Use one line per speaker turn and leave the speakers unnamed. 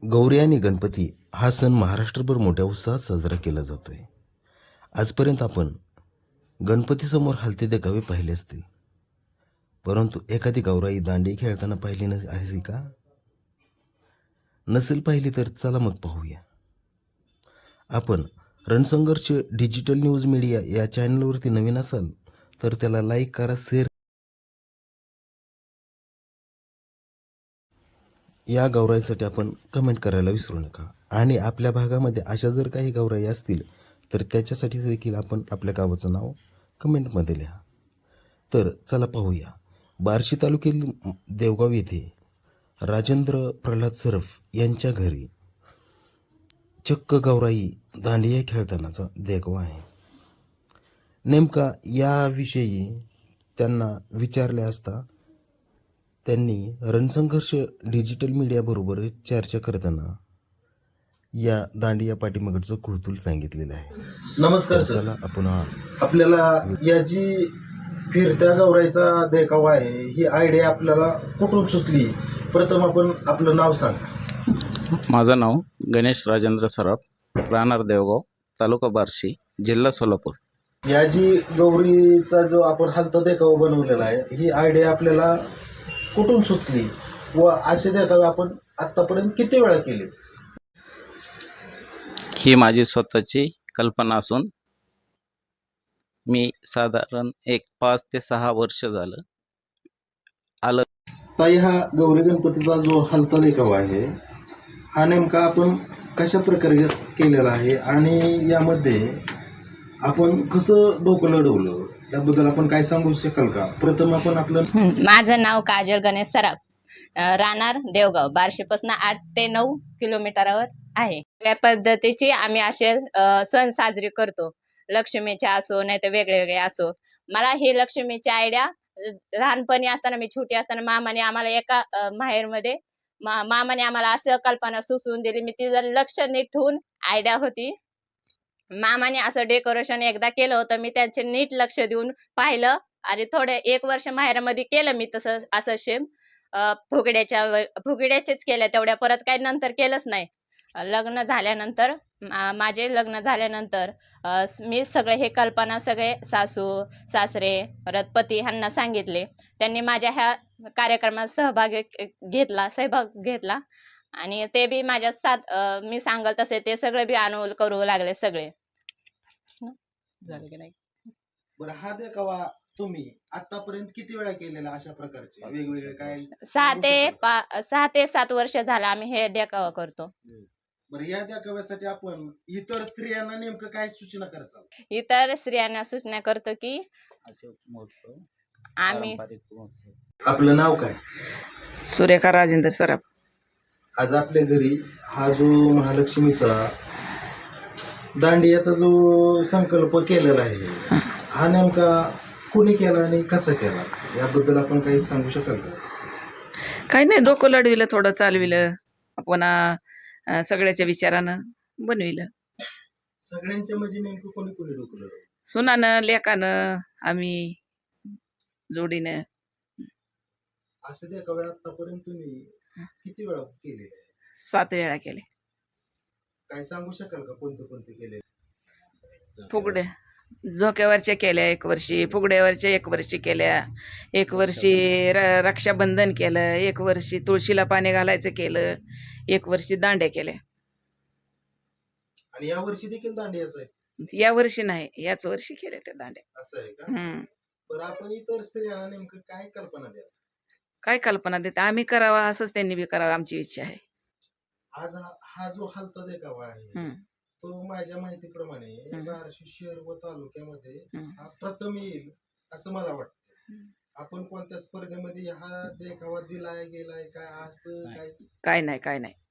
गौरी आणि गणपती हा सण महाराष्ट्रभर मोठ्या उत्साहात साजरा केला जातो आहे. आजपर्यंत आपण गणपतीसमोर हलते देखावे पाहिले असतील, परंतु एखादी गौराई दांडी खेळताना पाहिली आहे का? नसेल पाहिली तर चला मग पाहूया. आपण रणसंघर्ष डिजिटल न्यूज मीडिया या चॅनलवरती नवीन असाल तर त्याला लाईक करा, शेअर. या गौराईसाठी आपण कमेंट करायला विसरू नका. आणि आपल्या भागामध्ये अशा जर काही गौराई असतील तर त्याच्यासाठी देखील आपण आपल्या गावाचं नाव कमेंटमध्ये लिहा. तर चला पाहूया. बार्शी तालुक्यातील देवगाव येथे राजेंद्र प्रल्हाद सरफ यांच्या घरी चक्क गौराई दांडिया खेळतानाचा देखावा आहे. नेमका याविषयी त्यांना विचारले असता त्यांनी रणसंघर्ष डिजिटल मीडियाबरोबर चर्चा करताना या दांडिया पाठीमागचं कुळतूल सांगितलेलं आहे.
नमस्कार
तर
सर.
चला आपण
आपल्याला या जी फिरत्या गौराईचा देखावा आहे ही आयडिया आपल्याला कुठून सुचली? प्रथम आपण आपलं नाव सांग.
माझं नाव गणेश राजेंद्र सराफ, राहणार देवगाव, तालुका बार्शी, जिल्हा सोलापूर.
या जी गौरीचा जो आपण हलता देखावा बनवलेला आहे ही आयडिया आपल्याला कुठून सुचली व असे देखावे आपण आतापर्यंत किती वेळा केले?
ही माझी स्वतःची कल्पना असून मी साधारण 5 ते 6 वर्ष झालं आलं.
ताई, हा गौरी गणपतीचा जो हलता देखावा आहे हा नेमका आपण कशा प्रकारे केलेला आहे आणि यामध्ये आपण कसं डोकं लढवलं याबद्दल आपण काय सांगू शकाल का? प्रथम आपण आपलं.
माझं नाव काजल गणेश सराफ, राहणार देवगाव, बार्शीपासून 8 ते 9 किलोमीटरवर आहे. या पद्धतीची आम्ही असे सण साजरे करतो. लक्ष्मीचे असो नाही तर वेगळे वेगळे असो. मला ही लक्ष्मीची आयडिया लहानपणी असताना, मी छोटी असताना मामाने आम्हाला एका माहेरमध्ये मामाने आम्हाला असं कल्पना सुचवून दिली. मी ती जर लक्ष नीट ठेवून आयडिया होती. मामाने असं डेकोरेशन एकदा केलं होतं, मी त्यांचे नीट लक्ष देऊन पाहिलं आणि थोडे 1 वर्ष माहेरामध्ये केलं मी तसं असं सेम फुगड्याचेच केल्या तेवढ्या, परत काही नंतर केलंच नाही. लग्न झाल्यानंतर माझे लग्न झाल्यानंतर मी सगळे हे कल्पना सगळे सासू सासरे परत पती ह्यांना सांगितले. त्यांनी माझ्या ह्या कार्यक्रमात सहभाग घेतला आणि ते बी माझ्या साथ मी सांगल तसे ते सगळे बी अनुकूल करू लागले सगळे. झालं की नाही?
बरं, हा देखावा तुम्ही आतापर्यंत किती वेळा केलेला अशा प्रकारचे वेगवेगळे काय?
6 ते 7 वर्ष झालं आम्ही हे देखावा करतो.
बरं, या देखाव्यासाठी आपण इतर स्त्रियांना नेमकं काय सूचना करता?
इतर स्त्रियांना सूचना करतो की
असे महोत्सव,
आम्ही
पारंपरिक महोत्सव.
आपलं नाव काय?
सुरेखा राजेंद्र सराफ.
आज आपल्या घरी हा जो महालक्ष्मीचा दांडियाचा जो संकल्प केलेला आहे हा नेमका कोणी केला आणि कसा केला याबद्दल आपण काही सांगू शकाल का?
काही नाही, डोकं लढविलं, थोडं चालविलं, आपण सगळ्याच्या विचारानं बनविलं.
सगळ्यांच्या म्हणजे नेमकं कोणी कोणी डोकं लढवलं?
सुनानं लेकानं आम्ही जोडीनं.
असं देखावे आतापर्यंत तुम्ही किती वेळा केले?
7 वेळा केले.
काय सांगू शकाल का कोणते कोणते केले?
फुगड्या झोक्यावरच्या केल्या 1 वर्षी, फुगड्यावरच्या 1 वर्षी केल्या, 1 वर्षी रक्षाबंधन केलं, 1 वर्षी तुळशीला पाणी घालायचं केलं, 1 वर्षी दांड्या केल्या.
आणि या वर्षी देखील दांडियाच आहे?
या वर्षी नाही, याच वर्षी केल्या त्या दांड्या.
असं आहे का? बरं, आपण इतर स्त्रियांना नेमकं काय कल्पना द्या?
काय कल्पना देते आम्ही करावा असंच त्यांनी बी करावं, आमची इच्छा आहे.
आज हा जो हलता देखावा आहे तो माझ्या माहितीप्रमाणे बार्शी शहर व तालुक्यामध्ये हा प्रथम येईल असं मला वाटतं. आपण कोणत्या स्पर्धेमध्ये हा देखावा दिलाय गेलाय काय असं काय?
काय नाही.